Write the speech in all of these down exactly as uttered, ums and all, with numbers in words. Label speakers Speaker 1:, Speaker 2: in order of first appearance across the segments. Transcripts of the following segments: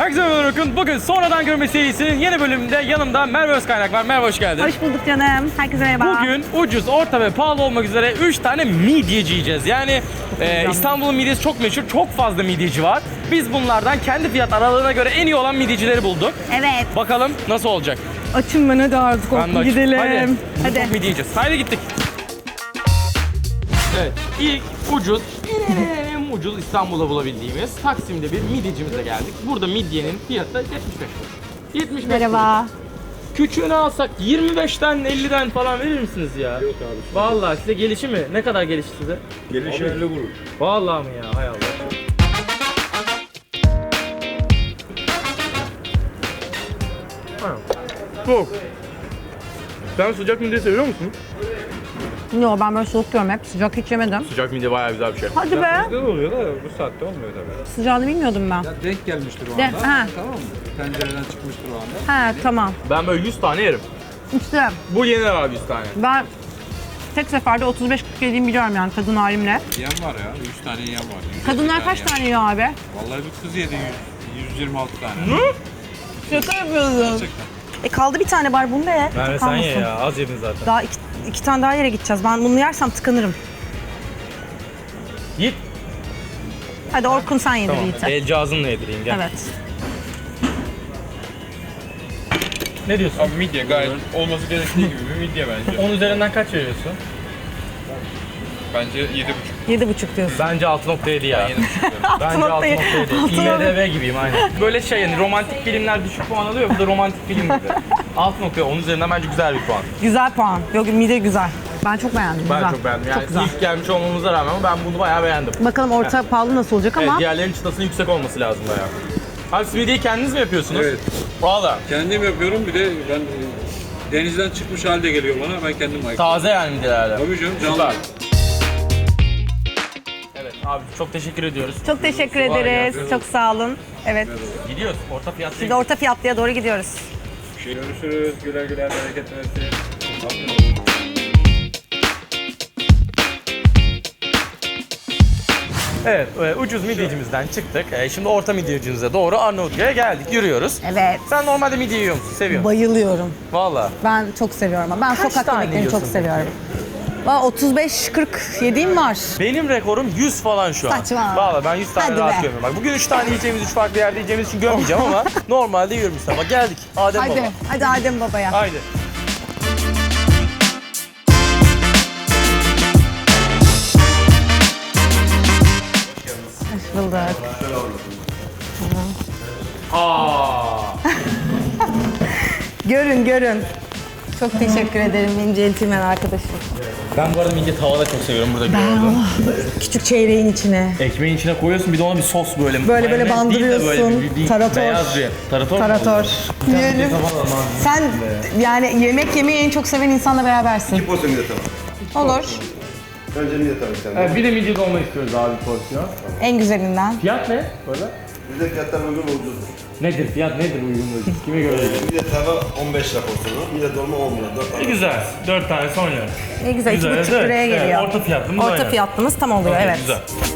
Speaker 1: Herkese merhaba Orkun. Bugün sonradan görme serisinin yeni bölümünde yanımda Merve Özkaynak var. Merve hoş geldin.
Speaker 2: Hoş bulduk canım. Herkese merhaba.
Speaker 1: Bugün ucuz, orta ve pahalı olmak üzere üç tane midyeci yiyeceğiz. Yani e, İstanbul'un midyesi çok meşhur, çok fazla midyeci var. Biz bunlardan kendi fiyat aralığına göre en iyi olan midyecileri bulduk.
Speaker 2: Evet.
Speaker 1: Bakalım nasıl olacak?
Speaker 2: Açım ben hadi artık
Speaker 1: Ben de açım.
Speaker 2: gidelim.
Speaker 1: Hadi.
Speaker 2: Hadi.
Speaker 1: Çok midye yiyeceğiz. Haydi gittik. Evet, ilk ucuz, en ucuz İstanbul'da bulabildiğimiz Taksim'de bir midyecimize geldik. Burada midyenin fiyatı yetmiş beş lira. yetmiş beş
Speaker 2: Merhaba.
Speaker 1: lira. Küçüğünü alsak yirmi beşten elliden falan verir misiniz ya? Yok abi. Vallahi size gelişi mi? Ne kadar gelişi size?
Speaker 3: Gelişi elli vurur.
Speaker 1: Vallahi mi ya? Hay Allah. Çok. Sen sıcak midye seviyor musun?
Speaker 2: Yo ben böyle soğuk yiyorum hep. Sıcak hiç yemedim.
Speaker 1: Sıcak midye bayağı güzel bir şey.
Speaker 2: Hadi be.
Speaker 3: Güzel oluyor da bu saatte olmuyor tabii.
Speaker 2: Sıcağını bilmiyordum ben.
Speaker 3: Ya denk gelmiştir o
Speaker 2: De-
Speaker 3: anda.
Speaker 2: ha.
Speaker 3: Tamam mı? Tencereden çıkmıştır o anda.
Speaker 2: He tamam.
Speaker 1: Ben böyle yüz tane yerim.
Speaker 2: İşte
Speaker 1: Bu yenir abi yüz tane.
Speaker 2: ben tek seferde otuz beş kırk yediğimi biliyorum yani kadın halimle.
Speaker 3: Yiyen var ya. yüz tane yiyen var. yüz elli
Speaker 2: Kadınlar kaç
Speaker 3: yiyen.
Speaker 2: tane yiyor abi?
Speaker 3: Vallahi bir kız yedi yüz, yüz yirmi altı tane.
Speaker 2: Şaka yapıyorsun.
Speaker 3: Gerçekten.
Speaker 2: E kaldı bir tane var bunu da ye.
Speaker 1: Merve sen
Speaker 2: Kalmasın.
Speaker 1: ye ya, az yedin zaten.
Speaker 2: Daha iki, iki tane daha yere gideceğiz. Ben bunu yersem tıkanırım.
Speaker 1: Git.
Speaker 2: Hadi Orkun sen yedir
Speaker 1: Tamam.
Speaker 2: Yiğit'e.
Speaker 1: El cihazınla yedireyim gel.
Speaker 2: Evet.
Speaker 1: Ne diyorsun?
Speaker 3: Abi midye gayet olması gerektiği gibi bir midye bence.
Speaker 1: on üzerinden kaç veriyorsun?
Speaker 3: Bence yedi buçuk.
Speaker 2: Yedi buçuk diyorsun.
Speaker 1: Bence altı nokta yedi ya.
Speaker 3: yedi buçuk diyorum.
Speaker 1: Bence altı
Speaker 2: nokta yedi.
Speaker 1: nokta yedi.
Speaker 2: altı
Speaker 1: I M
Speaker 2: nokta
Speaker 1: D B gibiyim aynen. Böyle şey yani romantik filmler düşük puan alıyor, bu da romantik film gibi. altı nokta on üzerinden bence güzel bir puan.
Speaker 2: Güzel puan. Yok mide güzel. Ben çok beğendim.
Speaker 1: Ben
Speaker 2: güzel.
Speaker 1: çok beğendim. Yani
Speaker 2: Çok güzel.
Speaker 1: ilk gelmiş olmamıza rağmen ben bunu bayağı beğendim.
Speaker 2: Bakalım orta pahalı nasıl olacak
Speaker 1: Evet,
Speaker 2: ama
Speaker 1: diğerlerinin çıtasının yüksek olması lazım bayağı. Abi siz midyeyi kendiniz mi yapıyorsunuz?
Speaker 3: Evet.
Speaker 1: Valla.
Speaker 3: Kendim yapıyorum bir de ben e, denizden çıkmış halde geliyor bana. Ben kendim ayıklıyorum.
Speaker 1: Taze yani midyelerden.
Speaker 3: Tabii canım
Speaker 1: Süper.
Speaker 3: canlı.
Speaker 1: Evet abi çok teşekkür ediyoruz.
Speaker 2: çok teşekkür
Speaker 1: Kolay
Speaker 2: ederiz.
Speaker 1: gelsin.
Speaker 2: Çok sağ olun. Evet.
Speaker 1: Gidiyoruz. Orta fiyatlı.
Speaker 2: Şimdi orta fiyatlıya doğru gidiyoruz.
Speaker 3: Görüşürüz. Güler güler bereket versin.
Speaker 1: Evet, e, ucuz midyecimizden çıktık. E, şimdi orta midyecimize doğru Arnavutköy'e geldik, yürüyoruz.
Speaker 2: Evet.
Speaker 1: Sen normalde midye yiyor musun? Seviyor musun?
Speaker 2: Bayılıyorum.
Speaker 1: Valla.
Speaker 2: Ben çok seviyorum. Ben
Speaker 1: Kaç
Speaker 2: sokak
Speaker 1: tane
Speaker 2: yemeklerini çok
Speaker 1: yiyorsun
Speaker 2: seviyorum. Valla otuz beş kırk yediğim var.
Speaker 1: Benim rekorum yüz falan şu an.
Speaker 2: Saçma.
Speaker 1: Valla ben yüz tane
Speaker 2: Hadi
Speaker 1: rahat
Speaker 2: be.
Speaker 1: gömüyorum. Bak bugün üç tane yiyeceğimiz, üç farklı yerde yiyeceğimiz için gömmeyeceğim ama normalde yiyorum işte. Bak geldik. Adem
Speaker 2: Hadi.
Speaker 1: Baba.
Speaker 2: Hadi Adem Baba'ya.
Speaker 1: Haydi.
Speaker 2: Hoş bulduk.
Speaker 1: Aa.
Speaker 2: Görün görün. Çok teşekkür ederim benim centilmen arkadaşım.
Speaker 1: Ben bu arada midye tavada çok seviyorum burada gördüm.
Speaker 2: Küçük çeyreğin içine.
Speaker 1: Ekmeğin içine koyuyorsun bir de ona bir sos böyle.
Speaker 2: Böyle böyle
Speaker 1: Mayonez değil de böyle
Speaker 2: bandırıyorsun.
Speaker 1: bir- bir
Speaker 2: Tarator.
Speaker 1: Beyaz bir. Tarator. mu
Speaker 2: Tarator.
Speaker 1: oluyor? Bir tane
Speaker 2: Yiyelim.
Speaker 1: midye tava alalım abi.
Speaker 2: Sen yani yemek yemeyi en çok seven insanla berabersin.
Speaker 4: İki porsiyon midye tamam.
Speaker 2: Olur.
Speaker 4: Önce midye tamam sen.
Speaker 1: Evet, bir de midye dolma istiyoruz abi bir porsiyon.
Speaker 2: En güzelinden.
Speaker 1: Fiyat ne? Böyle.
Speaker 4: Bizde fiyatlar uygun ucuz.
Speaker 1: Nedir fiyat nedir uygunluğu? Kime göre?
Speaker 4: Midye tava on beş lira porsiyonu, midye dolma on lira. dört tane.
Speaker 1: Güzel. Dört tane son yer.
Speaker 2: Ne güzel. iki
Speaker 1: Güzel,
Speaker 2: buçuk
Speaker 1: evet,
Speaker 2: liraya
Speaker 1: evet.
Speaker 2: geliyor.
Speaker 1: Orta fiyatlımız
Speaker 2: Orta
Speaker 1: aynen.
Speaker 2: fiyatlımız tam oluyor
Speaker 1: Okey,
Speaker 2: evet.
Speaker 1: Güzel.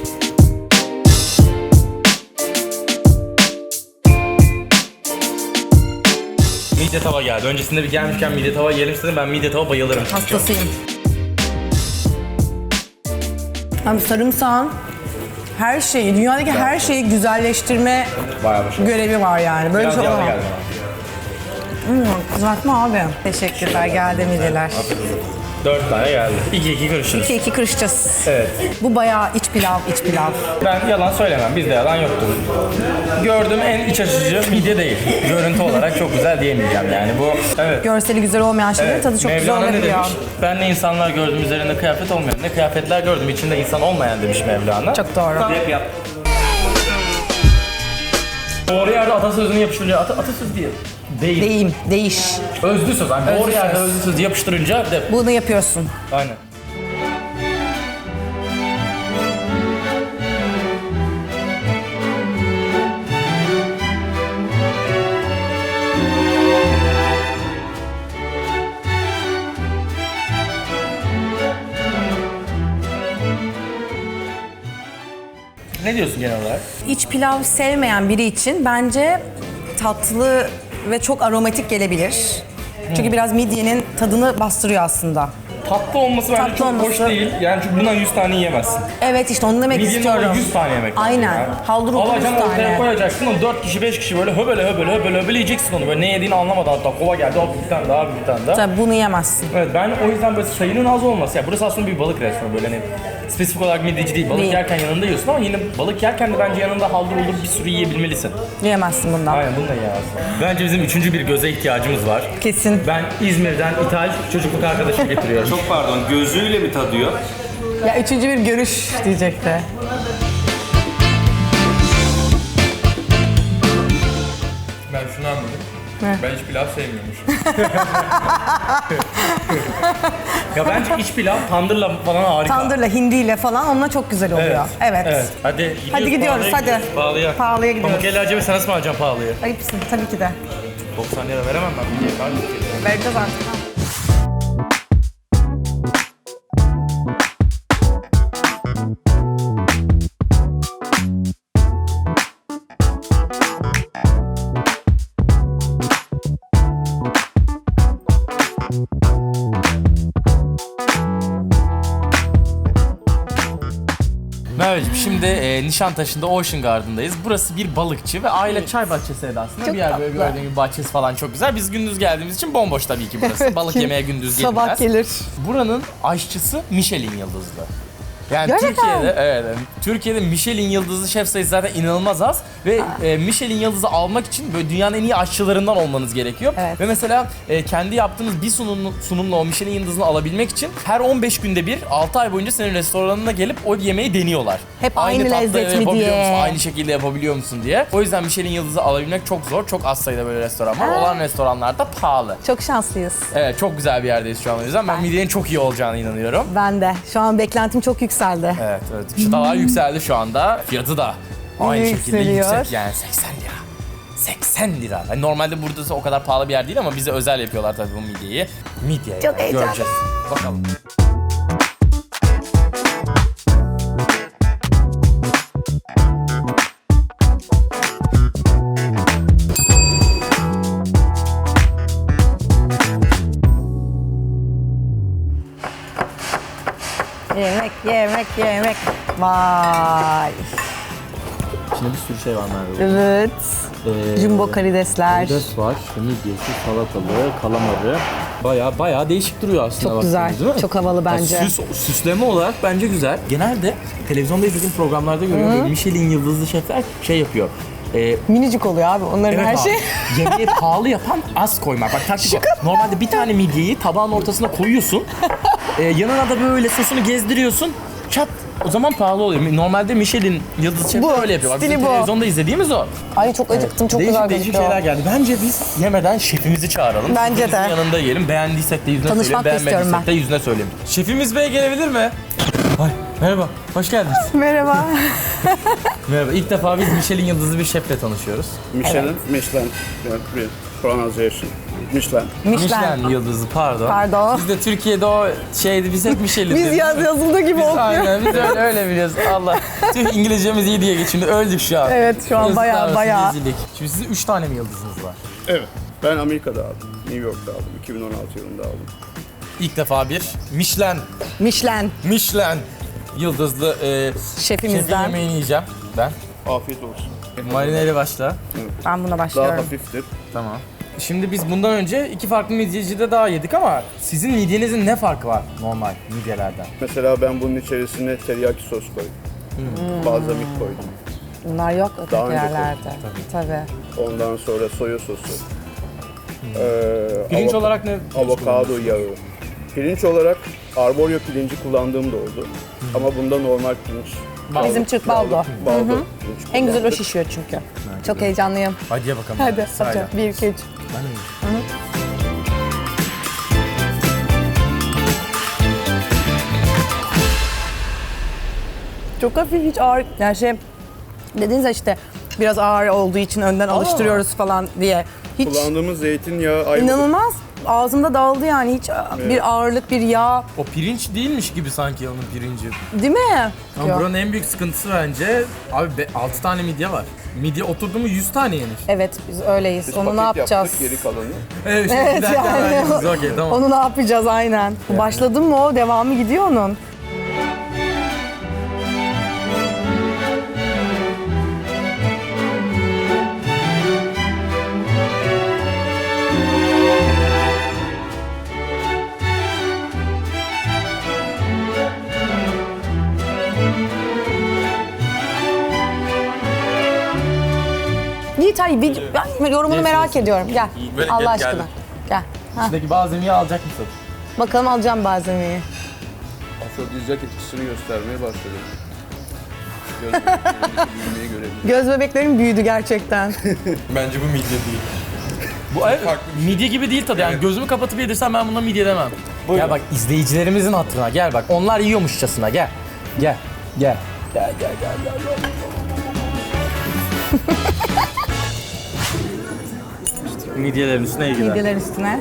Speaker 1: Midye tava geldi. Öncesinde bir gelmişken midye tava yiyelim istedim. Ben midye tava bayılırım. çünkü.
Speaker 2: Hastasıyım. Abi sarımsağın her şeyi, dünyadaki her şeyi güzelleştirme
Speaker 1: Bayağı başarılı.
Speaker 2: görevi var yani. Böyle
Speaker 1: Biraz
Speaker 2: şey
Speaker 1: yağlı
Speaker 2: olamam.
Speaker 1: geldi bana.
Speaker 2: Hmm, kızartma abi. Teşekkürler, geldi midyeler.
Speaker 1: Dört tane geldi. İki iki karışırız.
Speaker 2: İki iki kırışacağız.
Speaker 1: Evet.
Speaker 2: Bu bayağı iç pilav, iç pilav.
Speaker 1: Ben yalan söylemem. Bizde yalan yoktur. Gördüğüm en iç açıcı midye değil. Görüntü olarak çok güzel diyemeyeceğim yani bu. Evet.
Speaker 2: Görseli güzel olmayan şeylerin
Speaker 1: Evet.
Speaker 2: tadı çok
Speaker 1: Mevlana
Speaker 2: güzel
Speaker 1: ne
Speaker 2: olabiliyor.
Speaker 1: demiş? Ben ne insanlar gördüm üzerinde kıyafet olmayan, ne kıyafetler gördüm içinde insan olmayan demiş Mevlana.
Speaker 2: Çok doğru.
Speaker 1: Hep yap. Doğru yerde atasözünü yapıştırınca, ata, atasöz değil. Değil.
Speaker 2: Deyim, değiş.
Speaker 1: Özlü söz. Yani
Speaker 2: Özlü
Speaker 1: doğru yerde
Speaker 2: söz.
Speaker 1: özlü söz yapıştırınca de.
Speaker 2: Bunu yapıyorsun.
Speaker 1: Aynen. Ne diyorsun genel olarak?
Speaker 5: İç pilav sevmeyen biri için bence tatlı ve çok aromatik gelebilir. Çünkü biraz midyenin tadını bastırıyor aslında.
Speaker 1: Tatlı olması bence
Speaker 5: Tatlı
Speaker 1: çok
Speaker 5: olması-
Speaker 1: hoş değil. Yani çünkü bundan yüz tane yiyemezsin.
Speaker 5: Evet işte onu demek
Speaker 1: Midyenin
Speaker 5: istiyorum.
Speaker 1: yüz tane yemek lazım
Speaker 5: Aynen.
Speaker 1: ya.
Speaker 5: Haldır uldur yüz
Speaker 1: Alacaksın ortaya
Speaker 5: tane.
Speaker 1: koyacaksın onu dört kişi beş kişi böyle höbele höbele höbele höbele yiyeceksin onu. Böyle ne yediğini anlamadan hatta kova geldi hop bir tane daha bir tane daha.
Speaker 5: Tabii bunu yemezsin.
Speaker 1: Evet ben o yüzden böyle sayının az olması. Ya burası aslında bir balık restoranı böyle hani spesifik olarak midyeci değil. Balık
Speaker 5: Değil.
Speaker 1: yerken yanında yiyorsun ama yine balık yerken de bence yanında haldır uldur bir sürü yiyebilmelisin.
Speaker 5: Yiyemezsin bundan.
Speaker 1: Aynen bunu da yiyemezsin. Bence bizim üçüncü bir göze ihtiyacımız var.
Speaker 5: Kesin.
Speaker 1: Ben İzmir'den ithal çocukluk arkadaşı getiriyorum.
Speaker 4: Çok pardon, gözüyle mi tadıyor?
Speaker 5: Ya üçüncü bir görüş diyecekti.
Speaker 6: Ben şunu anladım. Ben hiç pilav sevmiyormuşum.
Speaker 1: Ya bence iç pilav tandırla falan harika.
Speaker 5: Tandırla, hindiyle falan onunla çok güzel oluyor. Evet.
Speaker 1: Evet. Hadi gidiyoruz.
Speaker 5: Hadi gidiyoruz,
Speaker 1: pahalıya
Speaker 5: hadi.
Speaker 1: gidiyoruz. Pahalıya.
Speaker 5: Pahalıya gidiyoruz.
Speaker 1: Pamuk acaba sen nasıl mı alacaksın pahalıya?
Speaker 5: Ayıpsın tabii ki de.
Speaker 1: doksan lira veremem ben bir diye.
Speaker 5: Vereceğiz artık.
Speaker 1: Merveciğim şimdi e, Nişantaşı'nda Ocean Garden'dayız. Burası bir balıkçı ve aile çay bahçesi aslında.
Speaker 5: Çok
Speaker 1: bir yer böyle
Speaker 5: tatlı.
Speaker 1: gördüğün gibi bahçesi falan çok güzel. Biz gündüz geldiğimiz için bomboş tabii ki burası. Balık yemeye gündüz gelmez.
Speaker 5: Sabah gelir.
Speaker 1: Buranın aşçısı Michelin yıldızlı. Yani
Speaker 5: Gerçekten.
Speaker 1: Türkiye'de evet, yani Türkiye'de Michelin yıldızlı şef sayısı zaten inanılmaz az ve e, Michelin yıldızı almak için böyle dünyanın en iyi aşçılarından olmanız gerekiyor.
Speaker 5: Evet.
Speaker 1: Ve mesela e, kendi yaptığınız bir sunum, sunumla o Michelin yıldızını alabilmek için her on beş günde bir altı ay boyunca senin restoranına gelip o yemeği deniyorlar.
Speaker 5: Hep aynı
Speaker 1: tatlı
Speaker 5: lezzet mi
Speaker 1: yapabiliyor
Speaker 5: diye.
Speaker 1: musun, aynı şekilde yapabiliyor musun diye. O yüzden Michelin yıldızı alabilmek çok zor. Çok az sayıda böyle restoran var. Olan restoranlar da pahalı.
Speaker 5: Çok şanslıyız.
Speaker 1: Evet çok güzel bir yerdeyiz şu an o yüzden. Ben midyenin çok iyi olacağına inanıyorum.
Speaker 5: Ben de. Şu an beklentim çok yükseldi.
Speaker 1: Evet, evet. Çıtalar yükseldi şu anda. Fiyatı da aynı şekilde
Speaker 5: Yükseliyor.
Speaker 1: yüksek yani seksen lira. seksen lira. Yani normalde burada o kadar pahalı bir yer değil ama bize özel yapıyorlar tabii bu midyeyi. Midye
Speaker 5: Çok
Speaker 1: yani,
Speaker 5: heyecanlı.
Speaker 1: göreceğiz. Bakalım.
Speaker 5: Yemek, yemek, yemek. Vay.
Speaker 1: İçinde bir sürü şey var Merve.
Speaker 5: Evet.
Speaker 1: Ee,
Speaker 5: Jumbo karidesler.
Speaker 1: Karides var, midyesi, salatalığı, kalamarı. Bayağı bayağı değişik duruyor aslında.
Speaker 5: Çok güzel,
Speaker 1: baktığınız, değil mi?
Speaker 5: çok havalı bence.
Speaker 1: Ya süs, süsleme olarak bence güzel. Genelde televizyonda izlediğim programlarda görüyorum. Böyle Michelin yıldızlı şefler şey yapıyor. Ee,
Speaker 5: Minicik oluyor abi onların
Speaker 1: evet
Speaker 5: her
Speaker 1: abi,
Speaker 5: şey.
Speaker 1: yemeği pahalı yapan az koymak. Bak taktik o. Normalde bir tane midyeyi tabağın ortasına koyuyorsun. Ee, yanına da böyle sosunu gezdiriyorsun. Çat. O zaman pahalı oluyor. Normalde Michelin yıldız şefler
Speaker 5: Bu,
Speaker 1: öyle yapıyor. Bak,
Speaker 5: stili
Speaker 1: bizim
Speaker 5: bu.
Speaker 1: televizyonda izlediğimiz o.
Speaker 5: Ay çok acıktım, çok
Speaker 1: değişik
Speaker 5: güzel
Speaker 1: değişik
Speaker 5: gözüküyor.
Speaker 1: şeyler geldi. Bence biz yemeden şefimizi çağıralım.
Speaker 5: Bence
Speaker 1: Şefimizin
Speaker 5: de.
Speaker 1: yanında yiyelim. Beğendiysek de yüzüne
Speaker 5: Tanışmak
Speaker 1: söyleyelim.
Speaker 5: da istiyorum
Speaker 1: Beğenmediysek de yüzüne söyleyelim. Şefimiz bey gelebilir mi? Ay, merhaba. Hoş geldiniz.
Speaker 5: Merhaba.
Speaker 1: Merhaba. İlk defa biz Michelin yıldızlı bir şefle tanışıyoruz.
Speaker 7: Michelin, Michelin, yeah, real pronunciation. Michelin.
Speaker 5: Michelin.
Speaker 1: Michelin yıldızı pardon.
Speaker 5: Pardon.
Speaker 1: Biz de Türkiye'de o şeydi biz hep Michelin
Speaker 5: Biz
Speaker 1: dedik.
Speaker 5: yaz yazıldığı gibi
Speaker 1: Biz
Speaker 5: okuyor.
Speaker 1: aynen biz öyle öyle biliyoruz. Allah. Tüh İngilizcemiz iyi diye geçindi. Öldük şu an.
Speaker 5: Evet, şu an
Speaker 1: Yazıklar
Speaker 5: bayağı,
Speaker 1: olsun,
Speaker 5: bayağı.
Speaker 1: rezillik. Şimdi sizin üç tane mi yıldızınız var?
Speaker 7: Evet. Ben Amerika'da aldım. New York'ta aldım. iki bin on altı yılında aldım.
Speaker 1: İlk defa bir Michelin
Speaker 5: Michelin
Speaker 1: Michelin yıldızlı e, şefin
Speaker 5: şefimizden.
Speaker 1: yemeğini yiyeceğim ben.
Speaker 7: Afiyet olsun.
Speaker 1: Marineyle başla.
Speaker 5: Ben buna
Speaker 7: Daha
Speaker 5: başlıyorum.
Speaker 7: hafiftir.
Speaker 1: Tamam. Şimdi biz bundan önce iki farklı midyecide daha yedik ama sizin midyenizin ne farkı var normal midyelerden?
Speaker 7: Mesela ben bunun içerisine teriyaki sos koydum. Balzamik koydum.
Speaker 5: Bunlar yok öteki
Speaker 7: Daha önce
Speaker 5: yerlerde. Tabii.
Speaker 7: Ondan sonra soya sosu. Ee,
Speaker 1: Pirinç
Speaker 7: avoka-
Speaker 1: olarak ne?
Speaker 7: Avokado yağı. Pirinç olarak arborio pirinci kullandığım da oldu. Ama bunda normal pirinç.
Speaker 1: Baldo.
Speaker 5: Bizim Türk baldo.
Speaker 7: Baldo. pirinç
Speaker 5: En güzel o
Speaker 7: kullandık.
Speaker 5: şişiyor çünkü. Çok heyecanlıyım.
Speaker 1: Hadi ye bakalım.
Speaker 5: Hadi
Speaker 1: Sırayla.
Speaker 5: hadi. Bir, iki, üç.
Speaker 1: Ben de yiyeyim.
Speaker 5: Çok hafif hiç ağır. Yani şey dediniz ya işte Biraz ağır olduğu için önden alıştırıyoruz falan diye. Hiç
Speaker 7: Kullandığımız zeytinyağı ayrı.
Speaker 5: inanılmaz. Ağzımda dağıldı yani. Hiç bir ağırlık, bir yağ.
Speaker 1: O pirinç değilmiş gibi sanki onun pirinci.
Speaker 5: Değil mi?
Speaker 1: Ama
Speaker 5: Yok.
Speaker 1: buranın en büyük sıkıntısı bence abi altı tane midye var. Midye oturdu mu yüz tane yenir.
Speaker 5: Evet biz öyleyiz.
Speaker 7: Biz
Speaker 5: Onu ne
Speaker 7: paket
Speaker 5: yapacağız?
Speaker 7: yaptık, geri kalanı.
Speaker 1: Evet, işte
Speaker 5: Evet,
Speaker 1: giderken
Speaker 5: yani.
Speaker 1: verdiğimiz okey tamam.
Speaker 5: Onu ne yapacağız aynen. Başladın mı o? Devamı gidiyor onun. Yiğit hadi video, ben yorumunu merak ediyorum. Gel.
Speaker 6: Böyle
Speaker 5: Allah
Speaker 6: gel-
Speaker 5: aşkına.
Speaker 6: geldim.
Speaker 5: Gel. Ha,
Speaker 1: İçindeki malzemeyi alacak mısın?
Speaker 5: bakalım alacağım malzemeyi.
Speaker 7: Afrodizyak etkisini göstermeye başladı. Göz bebeklerindeki büyümeyi görebiliriz.
Speaker 5: Göz bebeklerim büyüdü gerçekten.
Speaker 6: Bence bu midye değil.
Speaker 1: Bu evet,
Speaker 6: farklı bir şey.
Speaker 1: midye gibi değil tadı. Yani gözümü kapatıp yedirsem ben buna midye demem. Gel bak izleyicilerimizin hatırına gel bak. Onlar yiyormuşçasına gel. Gel. Gel. Gel gel gel gel. gel. Midyelerin üstüne iyi gider.
Speaker 5: Midyeler üstüne.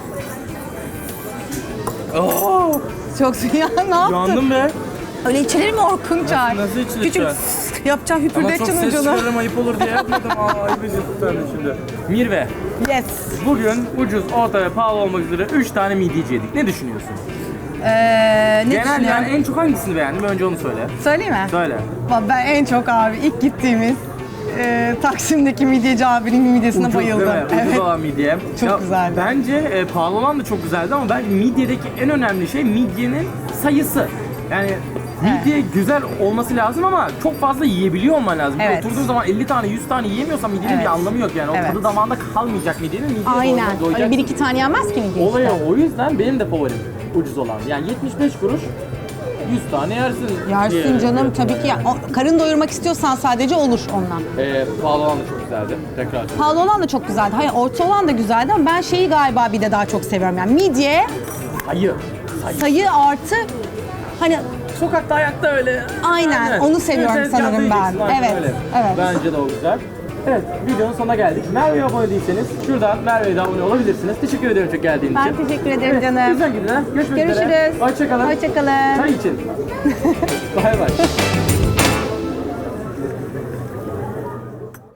Speaker 5: Çok ya ne yaptın?
Speaker 1: Yandım be.
Speaker 5: Öyle içilir mi Orkunçay?
Speaker 1: Nasıl içilir
Speaker 5: Küçük
Speaker 1: şu an?
Speaker 5: yapacaksın
Speaker 1: Ama çok
Speaker 5: hüpürdeteceksin
Speaker 1: ses
Speaker 5: ucunu.
Speaker 1: çıkarırım ayıp olur diye yapmadım. Aa ayıp ediyorsun sen de şimdi. Mirve,
Speaker 5: Yes.
Speaker 1: bugün ucuz, orta ve pahalı olmak üzere üç tane midyeci yedik. Ne düşünüyorsun?
Speaker 5: Ee, ne
Speaker 1: Genel
Speaker 5: düşünüyorsun?
Speaker 1: yani en çok hangisini beğendin? Önce onu söyle.
Speaker 5: Söyleyeyim mi?
Speaker 1: Söyle.
Speaker 5: Vallahi Ben en çok abi ilk gittiğimiz e, Taksim'deki midyeci abinin midyesine
Speaker 1: Ucuz
Speaker 5: bayıldım.
Speaker 1: değil mi? Ucuz
Speaker 5: Evet.
Speaker 1: olan midye.
Speaker 5: Çok güzeldi.
Speaker 1: Bence e, pahalı olan da çok güzeldi ama bence midyedeki en önemli şey midyenin sayısı. Yani midye güzel olması lazım ama çok fazla yiyebiliyor olman lazım.
Speaker 5: Evet.
Speaker 1: Oturduğun zaman elli tane yüz tane yiyemiyorsan midyenin
Speaker 5: Evet.
Speaker 1: bir anlamı yok yani. O
Speaker 5: Evet.
Speaker 1: tadı damağında kalmayacak midyenin. Midye
Speaker 5: Aynen.
Speaker 1: doyacaksın.
Speaker 5: Öyle bir iki tane yenmez ki midye
Speaker 1: Olay
Speaker 5: işte.
Speaker 1: o. O yüzden benim de favorim ucuz olan. Yani yetmiş beş kuruş yüz tane yersin.
Speaker 5: Yersin
Speaker 1: diye-
Speaker 5: canım tabii ki. Ya. O, karın doyurmak istiyorsan sadece olur ondan.
Speaker 1: Ee, pahalı olan da çok güzeldi. Tekrar.
Speaker 5: Pahalı olan da çok güzeldi. Hayır orta olan da güzeldi ama ben şeyi galiba bir de daha çok seviyorum. Yani midye,
Speaker 1: Sayı. Sayı.
Speaker 5: sayı artı hani
Speaker 1: Sokakta ayakta öyle.
Speaker 5: Aynen, onu seviyorum
Speaker 1: Evet,
Speaker 5: sanırım
Speaker 1: cadde
Speaker 5: ben.
Speaker 1: yiyeceksin, aynen
Speaker 5: Evet,
Speaker 1: öyle.
Speaker 5: evet.
Speaker 1: Bence de o güzel. Evet, videonun sonuna geldik. Merve'ye abone değilseniz şuradan Merve'ye de abone olabilirsiniz. Teşekkür ederim çok geldiğin için.
Speaker 5: ben teşekkür ederim canım.
Speaker 1: Güzel gidin ha. Görüşmek üzere.
Speaker 5: Görüşürüz.
Speaker 1: Hoşçakalın.
Speaker 5: Hoşçakalın.
Speaker 1: Çay için. Bay bay.